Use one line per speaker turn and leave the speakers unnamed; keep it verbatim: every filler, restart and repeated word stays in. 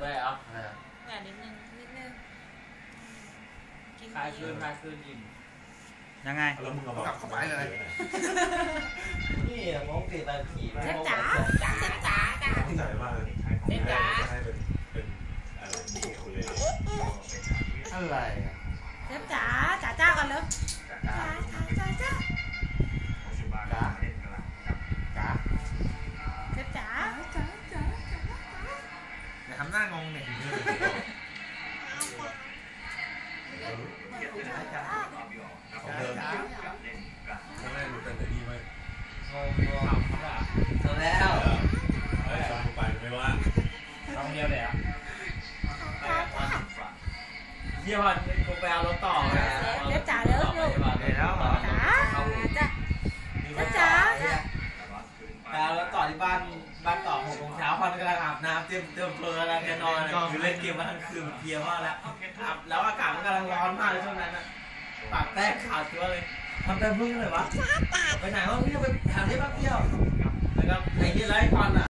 ไปเหรอ
แหวนนิดนึงนิดนึง
คลายคืนคลายคืนอิ่ม
ยังไง
แล้วมึงเอากลับเข้าไปเลย
นี่มองตีตาขี่
เจ๊จ๋าจ๋าจ๋าจ๋า
ตั้งใจมากเลย
เจ๊จ๋า
ให้เป็นเป็นอะไรมีคุย
อะไร
เจ๊จ๋าจ๋าจ้ากันเลยจ๋าจ๋าจ๋าจ๋า
จ๋าจ๋า
เจ๊จ๋าจ๋าจ๋า
อย่าทำหน้างงเนี่ย
ของเดิมครั้งแรกดูกันแต่ดีไหม
งงงงทำแล้ว
เฮ้ยชมไปไม่ว่า
ทำเดียวเลยอ่ะเยี่ยมกูไปเอารถต่อ
เจ๊จ๋าเด้อลูก
แล้วเหรอ
จ๋าจ๋าเจ๊จ๋า
ไปเอารถต่อที่บ้านบ้านต่อหกโมงเช้าพันกำลังอาบน้ำเตรียมเตรียมเพลินอะไรจะนอนคือเล่นเกมมาทั้งคืนเพียมากแล้วอาบแล้วอากาศมันกำลังร้อนมากเลยช่วงนั้นนะปากแตกขาดตัวเลยทำแต่พึ่งเลยวะไปไหนวะพี่